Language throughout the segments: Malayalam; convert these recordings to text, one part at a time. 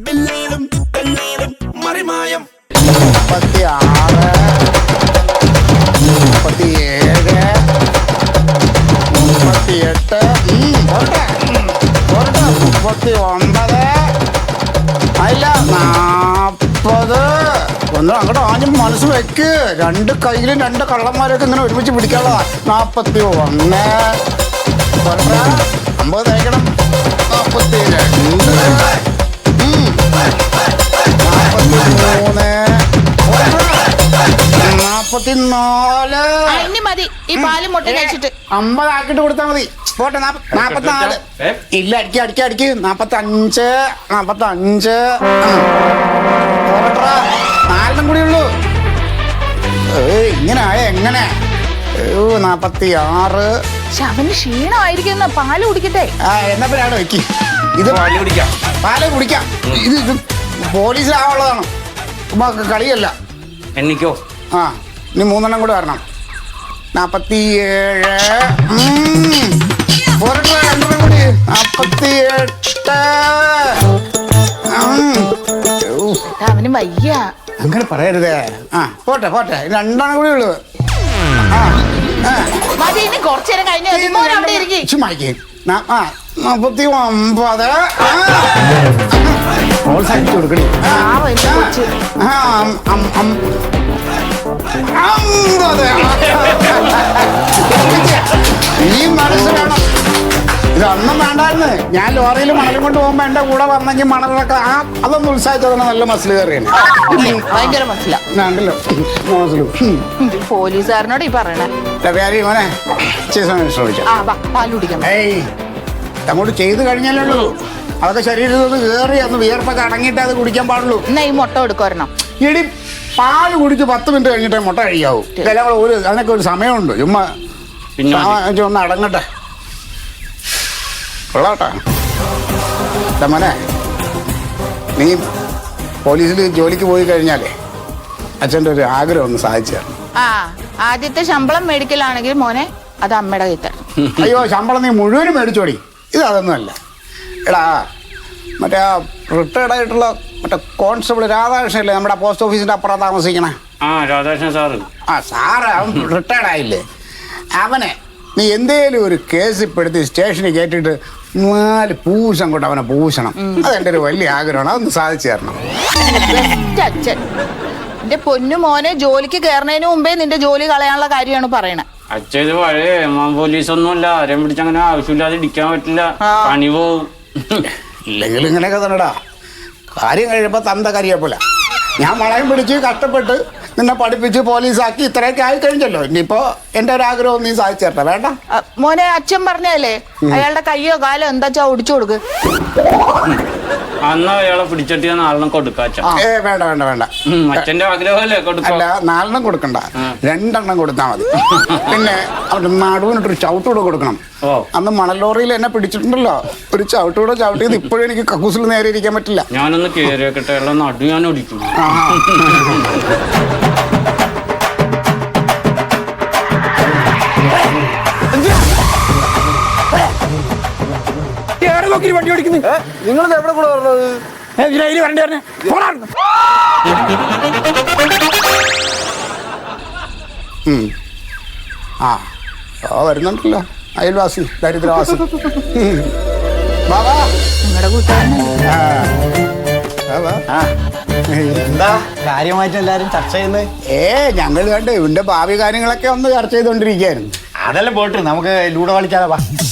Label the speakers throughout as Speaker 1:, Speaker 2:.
Speaker 1: മറിമായം
Speaker 2: 39 അല്ല 40 ഒന്ന് അങ്ങോട്ട് ആഞ്ഞും മനസ്സ് വെക്ക്. രണ്ട് കയ്യിലും രണ്ട് കള്ളന്മാരൊക്കെ ഇങ്ങനെ ഒരുമിച്ച് പിടിക്കാനുള്ള 41 50 തേക്കണം 42
Speaker 3: 44 മതി. ഈ പാലും മുട്ട കഴിച്ചിട്ട്
Speaker 2: 50 ആക്കിട്ട് കൊടുത്താൽ മതി. പോട്ടെ 44 ഇല്ല അടിക്ക് 45 നാലെണ്ണം കൂടി ഉള്ളൂ. ഇങ്ങനെ ആയ എങ്ങനെ? 46
Speaker 3: അവന് ക്ഷീണമായിരിക്കുന്ന പാല് കുടിക്കട്ടെ.
Speaker 2: എന്നാ പേരാണ് വെക്ക്. ഇത് പാല് കുടിക്കാം. ഇത് പോലീസിലാവുള്ളതാണ്, കളിയല്ല.
Speaker 4: എനിക്കോ
Speaker 2: ഇനി 3 കൂടെ വരണം. 47 പോരട്ടെ, 2 കൂടി 48
Speaker 3: അവന് വയ്യ.
Speaker 2: അങ്ങനെ പറയരുതേ. പോട്ടെ 2 കൂടി ഉള്ളു.
Speaker 3: മതി, ഇനി കുറച്ചു നേരം കഴിഞ്ഞ്
Speaker 2: 49 പ്രോത്സാഹിപ്പിച്ചു കൊടുക്കണേ. 50 ഈ മനസ്സ് വേണം. ഇതൊന്നും വേണ്ടായിരുന്നു. ഞാൻ ലോറിയിൽ മണലും കൊണ്ട് പോകുമ്പോ എന്റെ കൂടെ വന്നെങ്കിൽ മണലൊക്കെ അതൊന്ന് ഉത്സാഹിച്ചതാണ്. നല്ല മസിൽ കയറിയാണ്.
Speaker 3: ഭയങ്കര മനസ്സിലാണ്ടല്ലോ പോലീസുകാരനോട് ഈ പറയണേ.
Speaker 2: മോനെ ശ്രമിച്ചു
Speaker 3: പാല് കുടിക്കാം.
Speaker 2: അങ്ങോട്ട് ചെയ്ത് കഴിഞ്ഞാലുള്ളൂ. അതൊക്കെ ശരീരത്തിൽ കയറി അന്ന് വിയർപ്പൊക്കെ അടങ്ങിയിട്ടേ അത് കുടിക്കാൻ പാടുള്ളൂ.
Speaker 3: എന്നാ ഈ മുട്ട എടുക്കുമായിരുന്നോ?
Speaker 2: ഇടി പാല് കുടിച്ച് 10 മിനിറ്റ് കഴിഞ്ഞിട്ടേ മുട്ട കഴിക്കാവൂ. അതിനൊക്കെ ഒരു സമയമുണ്ട്. ചുമ്മാ ഒന്ന് അടങ്ങട്ടെ. കൊള്ളാട്ടാ മോനെ, നീ പോലീസിൽ ജോലിക്ക് പോയി കഴിഞ്ഞാലേ അച്ഛൻ്റെ ഒരു ആഗ്രഹം ഒന്ന് സാധിച്ചു തരണം.
Speaker 3: ആദ്യത്തെ ശമ്പളം മേടിക്കലാണെങ്കിൽ മോനെ അത് അമ്മയുടെ കയ്യിൽ തരണം.
Speaker 2: അയ്യോ, ശമ്പളം നീ മുഴുവനും മേടിച്ചോടി. ഇതൊന്നുമല്ല. എടാ മറ്റേ റിട്ടയർഡ് ആയിട്ടുള്ള മറ്റേ കോൺസ്റ്റബിൾ രാധാകൃഷ്ണല്ലേ, നമ്മുടെ പോസ്റ്റ് ഓഫീസിന്റെ അപ്പുറം താമസിക്കണേ?
Speaker 4: രാധാകൃഷ്ണൻ സാറ്.
Speaker 2: സാറ് അവൻ റിട്ടയർഡ് ആയില്ലേ? അവനെ നീ എന്തേലും ഒരു കേസ് പെടുത്തി സ്റ്റേഷനിൽ കയറ്റിട്ട് 4 പൂശം കൊണ്ട് അവനെ പൂശണം. അതെന്റെ ഒരു വലിയ ആഗ്രഹമാണ്. അതൊന്ന് സാധിച്ചു തരണം.
Speaker 3: അച്ഛൻ എന്റെ പൊന്നു മോനെ, ജോലിക്ക് കയറുന്നതിന് മുമ്പേ നിന്റെ ജോലി കളയാനുള്ള കാര്യമാണ് പറയണേ.
Speaker 4: അച്ഛൻ ഇത് പഴയ പോലീസ് ഒന്നുമല്ല. ആരെയും പിടിച്ചങ്ങനെ ആവശ്യമില്ലാതെ ഇടിക്കാൻ പറ്റില്ല, പണി പോവും.
Speaker 2: ഇല്ലെങ്കിൽ ഇങ്ങനെയൊക്കെ തന്നെടാ. കാര്യം കഴിയുമ്പോ തന്ത കരിയപ്പോലെ. ഞാൻ മളയും പിടിച്ച് കഷ്ടപ്പെട്ട് നിന്നെ പഠിപ്പിച്ച് പോലീസാക്കി ഇത്രയൊക്കെ ആയി കഴിഞ്ഞല്ലോ. ഇനിയിപ്പോ എന്റെ ഒരു ആഗ്രഹം നീ സാധിച്ചു തരട്ടെ. വേണ്ട
Speaker 3: മോനെ, അച്ഛൻ പറഞ്ഞല്ലേ അയാളുടെ കയ്യോ കാലോ എന്താച്ചാ ഒടിച്ചു കൊടുക്ക്.
Speaker 4: അന്ന് അയാളെ പിടിച്ചിട്ട് 4 കൊടുക്കാച്ച.
Speaker 2: വേണ്ട
Speaker 4: അച്ഛന്റെ ആഗ്രഹമല്ലേ കൊടുക്ക.
Speaker 2: അല്ല, 4 കൊടുക്കണ്ട, 2 കൊടുത്താൽ മതി. പിന്നെ അവിടെ നടുവിനിട്ടൊരു ചവിട്ടൂടെ കൊടുക്കണം. അന്ന് മണലോറിയിൽ എന്നെ പിടിച്ചിട്ടുണ്ടല്ലോ, ഒരു ചവിട്ടൂടെ ചവിട്ടിയത് ഇപ്പോഴും എനിക്ക് കക്കൂസിൽ നേരെ ഇരിക്കാൻ പറ്റില്ല.
Speaker 4: ഞാനൊന്ന് കേറിയൊക്കെ നടു ഞാൻ ഒടിക്കും.
Speaker 2: വണ്ടി ഓടിക്കുന്നു. നിങ്ങൾ എവിടെ കൂടെ പറഞ്ഞത്? വരണ്ടേ പറഞ്ഞേ. വരുന്നുണ്ടല്ലോ അയൽവാസി, ദരിദ്രവാസി. ബാബാ,
Speaker 3: നിങ്ങളുടെ കൂട്ടുകാരൻ.
Speaker 5: എന്താ കാര്യമായിട്ട് എല്ലാരും ചർച്ച ചെയ്യുന്നത്?
Speaker 2: ഞങ്ങൾ കണ്ട് ഇവന്റെ ഭാവി കാര്യങ്ങളൊക്കെ ഒന്ന് ചർച്ച ചെയ്തോണ്ടിരിക്കായിരുന്നു.
Speaker 5: അതെല്ലാം പോട്ട് നമുക്ക് ലൂഡോ കളിച്ചാലോ?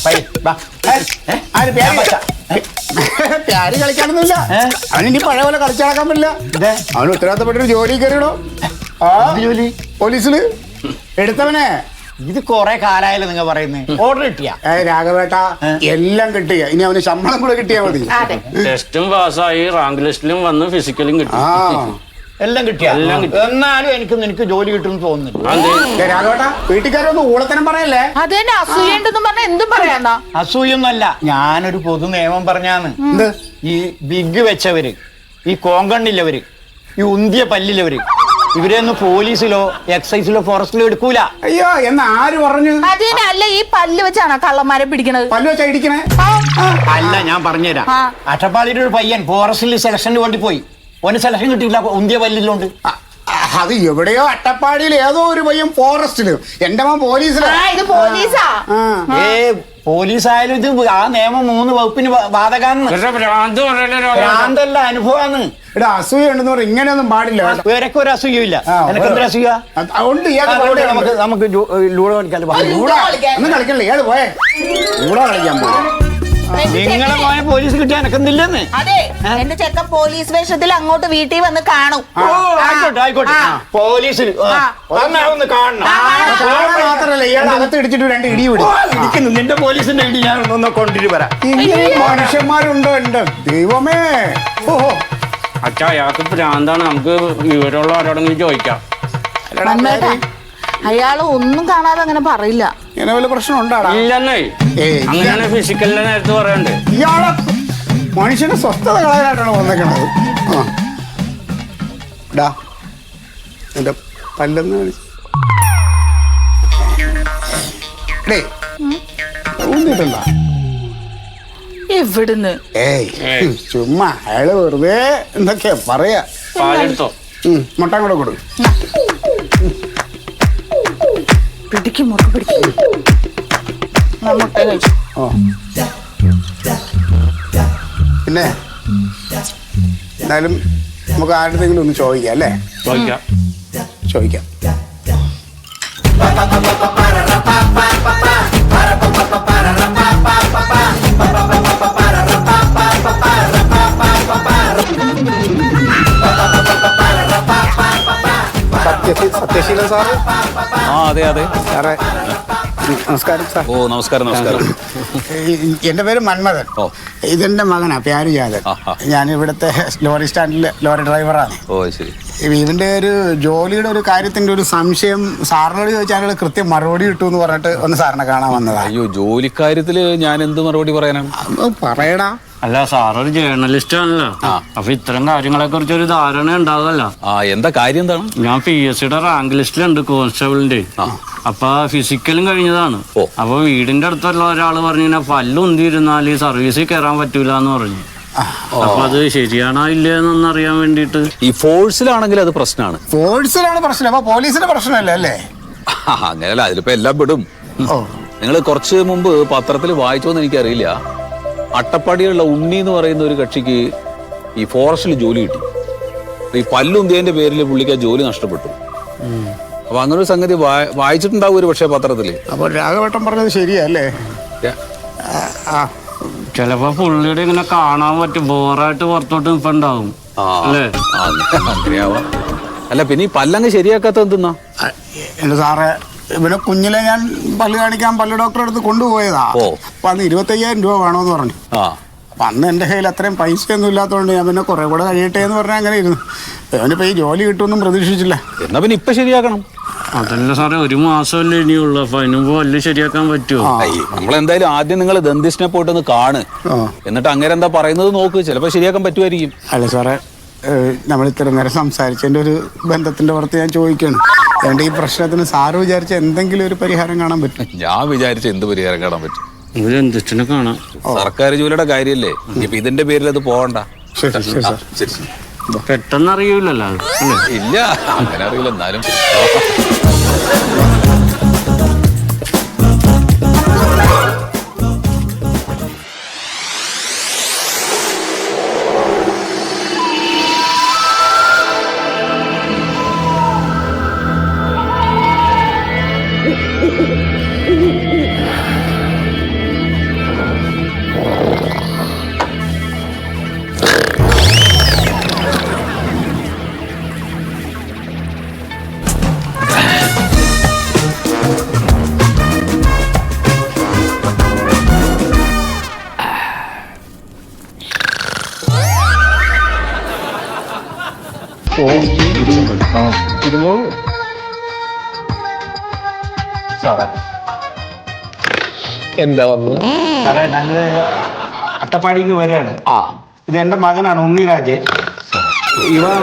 Speaker 2: പ്യാര് കളിക്കാനൊന്നുമില്ല. അവനിനി പഴയ പോലെ കളിച്ചു നടക്കാൻ പറ്റില്ല. അവന് ഉത്തരവാദിത്തപ്പെട്ടൊരു ജോലി കയറിയിടോ.
Speaker 5: ജോലി
Speaker 2: പോലീസില് എടുത്തവനെ.
Speaker 5: ഇത് കൊറേ കാലായാലും നിങ്ങൾ പറയുന്നത്. ഓർഡർ കിട്ടിയ
Speaker 2: രാഘവേട്ട എല്ലാം കിട്ടിയ. ഇനി അവന് ശമ്പളം കൂടെ കിട്ടിയാ മതി.
Speaker 4: ടെസ്റ്റും പാസ്സായി, റാങ്ക് ലിസ്റ്റിലും വന്ന്, ഫിസിക്കലും കിട്ടി.
Speaker 5: എല്ലാം കിട്ടിയ. എന്നാലും എനിക്ക് ജോലി കിട്ടുമെന്ന് തോന്നുന്നില്ല.
Speaker 2: രാഘവേട്ട, വീട്ടുകാരൊന്നും ഊളത്തനം പറയല്ലേ.
Speaker 3: അതെന്നെ അസൂയുണ്ടെന്നും പറഞ്ഞ എന്തും പറയാന്നാ.
Speaker 5: അസൂയൊന്നുമല്ല, ഞാനൊരു പൊതു നിയമം പറഞ്ഞാന്ന്. ഈ ബിഗ് വെച്ചവര്, ഈ കോങ്കണ്ണില്ലവര്, ഈ ഉന്തിയ പല്ലിലവര്, ഇവരെയൊന്നും പോലീസിലോ എക്സൈസിലോ ഫോറസ്റ്റിലോ എടുക്കൂല.
Speaker 2: അയ്യോ എന്ന് ആര് പറഞ്ഞു?
Speaker 3: അതിനല്ല ഈ പല്ല് വെച്ചാണ് കള്ളന്മാരെ പിടിക്കണത്.
Speaker 2: പല്ല് വെച്ചാ ഇടിക്കണേ?
Speaker 5: അല്ല, ഞാൻ പറഞ്ഞുതരാം.
Speaker 3: ആ.
Speaker 5: അട്ടപ്പാടിയുടെ ഒരു പയ്യൻ ഫോറസ്റ്റിൽ സെലക്ഷന് വേണ്ടി പോയി. ഓന് സെലക്ഷൻ കിട്ടിയില്ല, ഉന്തിയ പല്ലില്ലോണ്ട്.
Speaker 2: അത് എവിടെയോ അട്ടപ്പാടിയിൽ ഏതോ ഒരു പയ്യൻ ഫോറസ്റ്റില്, എന്റെ മോൻ പോലീസില്.
Speaker 3: ഇത് പോലീസാ.
Speaker 5: പോലീസ് ആയാലും ഇത് ആ നിയമം 3 വകുപ്പിന് ബാധകാന്ന്.
Speaker 4: ഭ്രാന്ത് പറയല്ലോ.
Speaker 5: ഭ്രാന്തല്ല, അനുഭവമാണ്.
Speaker 2: ഇവിടെ അസൂയ ഉണ്ടെന്ന് പറഞ്ഞാൽ ഇങ്ങനെയൊന്നും പാടില്ല.
Speaker 5: വേറൊക്കെ ഒരു അസൂയില്ല. എനിക്ക് എന്തൊരു അസൂയ?
Speaker 2: അതുകൊണ്ട്
Speaker 5: നമുക്ക് ലൂഡോ കളിക്കാൻ
Speaker 2: ഒന്നും കളിക്കണില്ല. ഇയാള് പോയേ കൂടെ കളിക്കാൻ പോയി.
Speaker 5: നിങ്ങളെ പോയ പോലീസ് കിട്ടിയാൽ എനക്കെന്തില്ലെന്ന്.
Speaker 3: അതെ, എന്റെ ചെക്കൻ പോലീസ് വേഷത്തിൽ അങ്ങോട്ട് വീട്ടിൽ വന്ന് കാണും.
Speaker 5: ആയിക്കോട്ടെ ആയിക്കോട്ടെ. പോലീസിൽ ഒന്ന് കാണണം.
Speaker 2: മാത്രല്ല ഇയാൾ അകത്ത് ഇടിച്ചിട്ട് 2 ഇടി
Speaker 5: ഇരിക്കുന്നു. നിന്റെ പോലീസിന്റെ ഇടി ഞാൻ ഒന്ന് കൊണ്ടിട്ട് വരാം.
Speaker 2: മനുഷ്യന്മാരുണ്ടോ എന്റെ ദൈവമേ. ഓഹോ,
Speaker 4: അച്ഛാ അയാൾക്ക് ഭ്രാന്താണ്. നമുക്ക് വിവരമുള്ള ആരോടെങ്കിലും ചോദിക്കാം.
Speaker 3: അയാള് ഒന്നും കാണാതെ അങ്ങനെ പറയില്ല.
Speaker 2: ഇങ്ങനെ വല്ല പ്രശ്നം ഉണ്ടാടാ?
Speaker 4: ഇല്ലെന്നേ, അങ്ങനെ ഫിസിക്കലിന്റെ നേരത്ത് പറയണ്ടേ.
Speaker 2: ഇയാളെ മനുഷ്യന്റെ സ്വസ്ഥത കളയാനായിട്ടാണ് വന്നേക്കണത്. എന്റെ പല്ലെന്ന് ഊന്നിട്ടുണ്ട?
Speaker 3: എവിടുന്ന്?
Speaker 2: ഏയ് ചുമ്മാ അയാള് വെറുതെ എന്തൊക്കെയാ പറയാ.
Speaker 4: പാലെടുത്തോ?
Speaker 2: മുട്ടം കൂടെ കൊടുക്കും.
Speaker 3: പിടിക്കും മുട്ട പിടിക്കും. മുട്ട കഴിച്ചു.
Speaker 2: ഓ, പിന്നെ എന്നാലും നമുക്ക് ആരുടെങ്കിലും ഒന്ന് ചോദിക്കാം അല്ലേ?
Speaker 4: ചോദിക്കാം.
Speaker 2: ചോദിക്കാം. സത്യശീലൻ സാറ്?
Speaker 1: അതെ അതെ
Speaker 2: സാറേ നമസ്കാരം സാർ.
Speaker 1: ഓ നമസ്കാരം നമസ്കാരം.
Speaker 2: എൻ്റെ പേര് മന്മഥൻ. ഇതെന്റെ മകനാ പ്യാരുജാതൻ. ഞാൻ ഇവിടുത്തെ ലോറി സ്റ്റാൻഡിലെ ലോറി ഡ്രൈവറാണ്.
Speaker 1: ഓ ശരി.
Speaker 2: ഇതിന്റെ ഒരു ജോലിയുടെ ഒരു കാര്യത്തിന്റെ ഒരു സംശയം സാറിനോട് ചോദിച്ചാൽ കൃത്യം മറുപടി കിട്ടും എന്ന് പറഞ്ഞിട്ട് ഒന്ന് സാറിനെ കാണാൻ വന്നതാ.
Speaker 1: അയ്യോ, ജോലിക്കാര്യത്തില് ഞാൻ എന്ത് മറുപടി പറയാനാണ്?
Speaker 2: പറയടാ.
Speaker 4: അല്ല, സാറൊരു ജേർണലിസ്റ്റ് ആണല്ലോ. അപ്പൊ ഇത്തരം കാര്യങ്ങളെ കുറിച്ച് ഒരു ധാരണ ഉണ്ടാവുമല്ലോ.
Speaker 1: എന്താ കാര്യം എന്താണ്?
Speaker 4: ഞാൻ PSCയുടെ റാങ്ക് ലിസ്റ്റിലുണ്ട്, കോൺസ്റ്റബിളിന്റെ. അപ്പൊ ഫിസിക്കലും കഴിഞ്ഞതാണ്. അപ്പൊ വീടിന്റെ അടുത്തുള്ള ഒരാള് പറഞ്ഞു പല്ലുന്തിരുന്നാല് സർവീസിൽ കയറാൻ പറ്റൂല എന്ന് പറഞ്ഞു. അപ്പൊ അത് ശരിയാണോ ഇല്ലെന്നൊന്നും അറിയാൻ വേണ്ടിട്ട്.
Speaker 1: ഈ ഫോഴ്സിലാണെങ്കിൽ അത് പ്രശ്നമാണ്.
Speaker 2: ഫോഴ്സിലാണ് പ്രശ്നം. അപ്പൊ പോലീസിന്റെ പ്രശ്നമല്ലേ അല്ലേ?
Speaker 1: അങ്ങനെയല്ല, അതിലിപ്പോ എല്ലാം പെടും. നിങ്ങൾ കുറച്ച് മുമ്പ് പത്രത്തിൽ വായിച്ചോന്ന് എനിക്കറിയില്ല. അട്ടപ്പാടിയിലുള്ള ഉണ്ണി എന്ന് പറയുന്ന ഒരു കക്ഷിക്ക് ഈ ഫോറസ്റ്റിൽ ജോലി കിട്ടി. ഈ പല്ലുന്തിയന്റെ പേരിൽ പുള്ളിക്ക് ആ ജോലി നഷ്ടപ്പെട്ടു. അപ്പൊ അങ്ങനെ ഒരു സംഗതി വായിച്ചിട്ടുണ്ടാവും ഒരു പക്ഷേ പത്രത്തില്.
Speaker 2: അപ്പൊ രാഘവട്ടം പറഞ്ഞത് ശരിയല്ലേ?
Speaker 4: ചിലപ്പോ പുള്ളിയുടെ ഇങ്ങനെ കാണാൻ പറ്റും, ബോറായിട്ട് പുറത്തോട്ട് നിൽപ്പുണ്ടാവും അല്ലേ?
Speaker 1: അങ്ങനെയാവാം. അല്ല, പിന്നെ ഈ പല്ലങ്ങ് ശരിയാക്കാത്ത എന്തെന്നാ?
Speaker 2: എന്റെ സാറേ, ഇവനെ കുഞ്ഞിലെ ഞാൻ പല്ല് കാണിക്കാൻ പല്ല് ഡോക്ടറെ അടുത്ത് കൊണ്ടുപോയതാ. അപ്പൊ അന്ന് 25,000 രൂപ വേണമെന്ന് പറഞ്ഞു. അപ്പൊ അന്ന് എന്റെ കയ്യിൽ അത്രയും പൈസയൊന്നും ഇല്ലാത്തതുകൊണ്ട് ഞാൻ പിന്നെ കുറെ കൂടെ കഴിയട്ടെ എന്ന് പറഞ്ഞാൽ അങ്ങനെ ഇരുന്നു. അവനിപ്പോ ഈ ജോലി കിട്ടുമെന്നും പ്രതീക്ഷിച്ചില്ല.
Speaker 1: എന്നാ പിന്നെ ഇപ്പൊ ശരിയാക്കണം.
Speaker 4: അതല്ല സാറേ, 1 മാസമല്ലേ ഇനിയുള്ളൂ. അപ്പൊ അതിനുമ്പോ പല്ല് ശരിയാക്കാൻ പറ്റുമോ?
Speaker 1: നമ്മളെന്തായാലും ആദ്യം നിങ്ങൾ ദന്തിസ്റ്റിനെ പോയിട്ടൊന്ന് കാണ്. എന്നിട്ട് അങ്ങനെ എന്താ പറയുന്നത് നോക്ക്. ചിലപ്പോ ശരിയാക്കാൻ പറ്റുമായിരിക്കും.
Speaker 2: അല്ല സാറേ, നമ്മൾ ഇത്ര നേരം സംസാരിച്ചതിന്റെ ഒരു ബന്ധത്തിന്റെ പുറത്ത് ഞാൻ ചോദിക്കണം. അതുകൊണ്ട് ഈ പ്രശ്നത്തിന് സാറ് വിചാരിച്ച എന്തെങ്കിലും ഒരു പരിഹാരം കാണാൻ പറ്റും?
Speaker 1: ഞാൻ വിചാരിച്ച എന്ത് പരിഹാരം കാണാൻ പറ്റും?
Speaker 4: ഇവരെന്തിനെ കാണാം.
Speaker 1: സർക്കാർ ജോലിയുടെ കാര്യല്ലേ, ഇപ്പൊ ഇതിന്റെ പേരിൽ അത് പോകണ്ട. ശരി,
Speaker 4: പെട്ടെന്ന് അറിയൂലല്ലോ അത്.
Speaker 1: ഇല്ല, അങ്ങനെ അറിയില്ല. എന്നാലും
Speaker 2: എന്താ വന്നു സാറേ? ഞങ്ങള് അട്ടപ്പാടിക്ക് വരികയാണ്. ഇത് എന്റെ മകനാണ് ഉണ്ണിരാജ്. ഇവ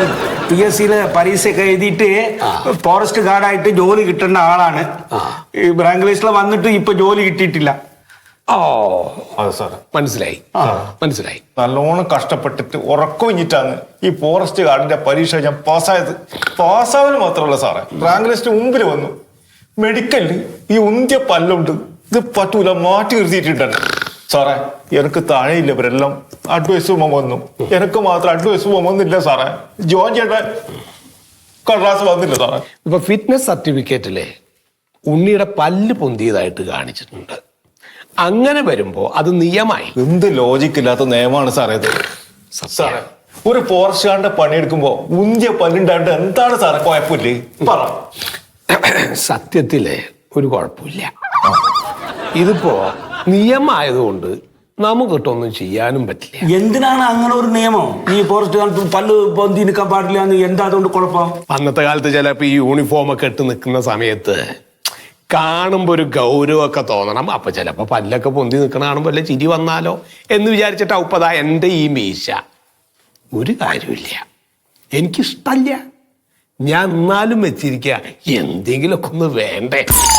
Speaker 6: PSC പരീക്ഷയൊക്കെ എഴുതിയിട്ട് ഫോറസ്റ്റ് ഗാർഡായിട്ട് ജോലി കിട്ടേണ്ട ആളാണ്. ഈ റാങ്ക് ലിസ്റ്റിൽ വന്നിട്ട് ഇപ്പൊ ജോലി കിട്ടിയിട്ടില്ല.
Speaker 7: ഓ
Speaker 8: അതെ സാറേ,
Speaker 7: മനസ്സിലായി മനസ്സിലായി.
Speaker 8: നല്ലോണം കഷ്ടപ്പെട്ടിട്ട് ഉറക്കൊഴിഞ്ഞിട്ടാണ് ഈ ഫോറസ്റ്റ് ഗാർഡിന്റെ പരീക്ഷ ഞാൻ പാസ്സായത്. പാസ്സാവൽ മാത്രമല്ല സാറേ, റാങ്ക് ലിസ്റ്റ് മുമ്പിൽ വന്നു. മെഡിക്കലിൽ ഈ ഉന്തിയ പല്ലുണ്ട്, ഇത് പറ്റൂല, മാറ്റി നിർത്തിയിട്ടുണ്ട് സാറേ. എനിക്ക് താഴെയില്ലവരെല്ലാം അഡ്വൈസ് വന്നു, എനിക്ക് മാത്രം അഡ്വൈസ് വന്നില്ല സാറേ. ജോൺ ചേട്ടൻ കടലാസ് വന്നില്ല സാറേ.
Speaker 7: ഇപ്പൊ ഫിറ്റ്നസ് സർട്ടിഫിക്കറ്റിലെ ഉണ്ണിയുടെ പല്ല് പൊന്തിയതായിട്ട് കാണിച്ചിട്ടുണ്ട്. അങ്ങനെ വരുമ്പോ അത് നിയമമായി.
Speaker 8: എന്ത് ലോജിക്കില്ലാത്ത നിയമമാണ് സാറേ ഇത്. സാറേ, ഒരു ഫോറസ്റ്റ് ഗാർഡിന്റെ പണിയെടുക്കുമ്പോ ഉന്തിയ പല്ലുണ്ടായിട്ട് എന്താണ് സാറേ കുഴപ്പമില്ലേ? പറ.
Speaker 7: സത്യത്തില് ഒരു കുഴപ്പമില്ല. ഇതിപ്പോ നിയമമായതുകൊണ്ട് നമുക്കിട്ടൊന്നും ചെയ്യാനും പറ്റില്ല.
Speaker 6: എന്തിനാണ് അങ്ങനെ ഒരു നിയമം? ഈ ഫോറസ്റ്റ് ഗാർഡ് പല്ല് പൊന്തി നിൽക്കാൻ പാടില്ല എന്ന് എന്താ അതുകൊണ്ട് കുഴപ്പം?
Speaker 7: അന്നത്തെ കാലത്ത് ചിലപ്പോ ഈ യൂണിഫോം ഒക്കെ ഇട്ട് നിൽക്കുന്ന സമയത്ത് കാണുമ്പോ ഒരു ഗൗരവമൊക്കെ തോന്നണം. അപ്പൊ ചിലപ്പോ പല്ലൊക്കെ പൊന്തി നിൽക്കണ കാണുമ്പോ അല്ലെ ചിരി വന്നാലോ എന്ന് വിചാരിച്ചിട്ട് ഉപ്പതാ എന്റെ ഈ മീശ. ഒരു കാര്യമില്ല, എനിക്കിഷ്ടല്ല. ഞാൻ എന്നാലും വെച്ചിരിക്കുക, എന്തെങ്കിലുമൊക്കെ ഒന്ന് വേണ്ടേ.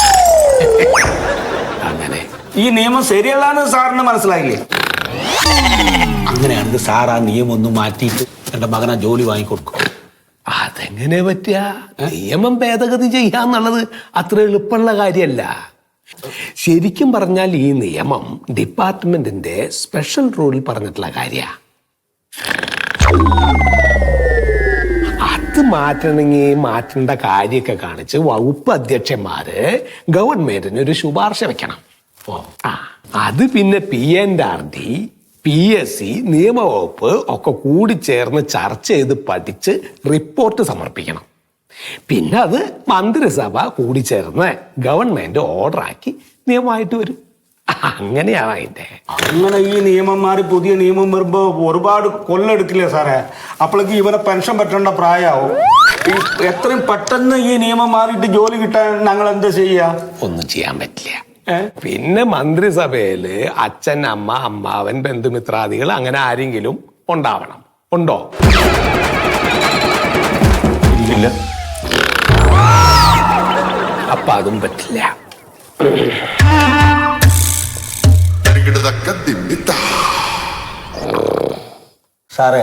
Speaker 7: അങ്ങനെ
Speaker 6: ഈ നിയമം ശരിയല്ലാന്ന് സാറിന് മനസ്സിലായില്ലേ?
Speaker 1: അങ്ങനെയാണെങ്കിൽ സാർ ആ നിയമം ഒന്ന് മാറ്റിയിട്ട് എന്റെ മകനാ ജോലി വാങ്ങിക്കൊടുക്കും.
Speaker 7: അതെങ്ങനെ പറ്റുക? നിയമം ഭേദഗതി ചെയ്യാന്നുള്ളത് അത്ര എളുപ്പമുള്ള കാര്യമല്ല. ശരിക്കും പറഞ്ഞാൽ ഈ നിയമം ഡിപ്പാർട്ട്മെന്റിന്റെ സ്പെഷ്യൽ റൂളിൽ പറഞ്ഞിട്ടുള്ള കാര്യ. അത് മാറ്റണമെങ്കിൽ മാറ്റേണ്ട കാര്യമൊക്കെ കാണിച്ച് വകുപ്പ് അധ്യക്ഷന്മാര് ഗവൺമെന്റിന് ഒരു ശുപാർശ വെക്കണം. അത് പിന്നെ PNRD, PSC, നിയമവകുപ്പ് ഒക്കെ കൂടി ചേർന്ന് ചർച്ച ചെയ്ത് പഠിച്ച് റിപ്പോർട്ട് സമർപ്പിക്കണം. പിന്നെ അത് മന്ത്രിസഭ കൂടി ചേർന്ന് ഗവൺമെന്റ് ഓർഡറാക്കി നിയമമായിട്ട് വരും. അങ്ങനെയാണ് അതിന്റെ.
Speaker 6: അങ്ങനെ ഈ നിയമം മാറി പുതിയ നിയമം വരുമ്പോ ഒരുപാട് കൊല്ലെടുക്കില്ലേ സാറേ? അപ്പോഴേക്ക് ഇവരെ പെൻഷൻ പറ്റേണ്ട പ്രായമാവും. എത്രയും പെട്ടെന്ന് ഈ നിയമം മാറിയിട്ട് ജോലി കിട്ടാൻ ഞങ്ങൾ എന്താ ചെയ്യാ?
Speaker 7: ഒന്നും ചെയ്യാൻ പറ്റില്ല. പിന്നെ മന്ത്രിസഭയില് അച്ഛൻ, അമ്മ, അമ്മാവൻ, ബന്ധുമിത്രാദികൾ അങ്ങനെ ആരെങ്കിലും ഉണ്ടാവണം. ഉണ്ടോ?
Speaker 8: ഇല്ല.
Speaker 7: അപ്പൊ അതും പറ്റില്ല.
Speaker 6: സാറേ,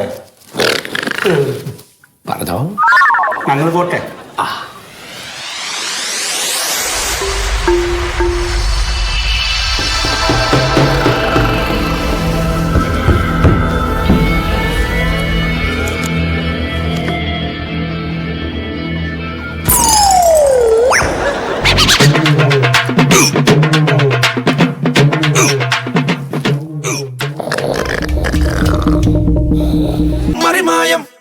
Speaker 7: പറഞ്ഞോ.
Speaker 6: ഞങ്ങൾ പോട്ടെ.
Speaker 9: മറിമായം